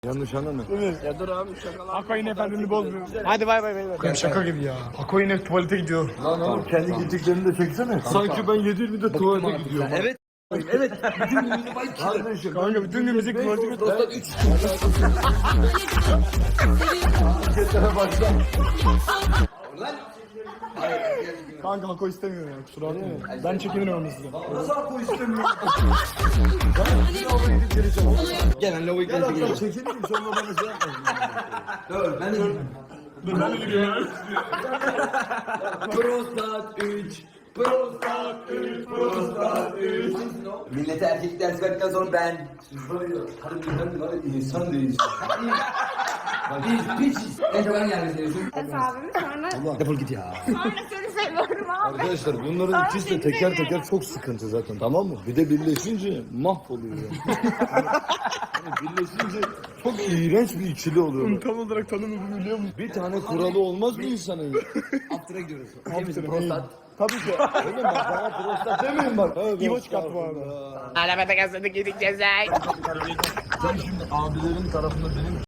Yanlış anlama. Ya dur abi şakalar. Akoy'un efendini bozmuyor. Hadi bay bay beyler. Şaka gibi ya. Akoy'un hep tuvalete gidiyor. Lan oğlum kendi gittiklerini de çeksene. Sanki ben 7.20'de tuvalete gidiyorum. Evet. Evet. Bütün günümüzü bak. Kardeşim. Kanka bütün gün müzik tuvalete gidiyor. Dostlar 3. Hareketlere başla. Kanka Akoy istemiyor ya kusura bakmayın. Ben çekinirim size. Nasıl Ako istemiyor? Gelen lavayı Gel geldi. hatta çekelim sonra bana şey yapmasın. Dur ben de Dur ben de gidiyorum. Prostat 3. Prostat 3. Prostat 3. Millete erkek ders verdikten sonra ben. Siz var ya harbiden var ya insan değilsiniz. Biz piçiz. En çok hangi yerde seviyorsun? Abimi sonra Defol git ya. seni seviyorum abi. Arkadaşlar bunların ikisi de teker teker çok sıkıntı zaten, tamam mı? Bir de birleşince mahvoluyor. Yani birleşince çok iğrenç bir ikili oluyor. Tam olarak tanımını biliyor musun? Bir tane kuralı olmaz mı insanın ya? After'a gidiyoruz. After'a, Prostat. Tabii ki. Oğlum bak bana prostat demeyin bak. İbo çıkarttı bu arada. Arabada gazladık yedik cezayı. Sen şimdi abilerin tarafında benim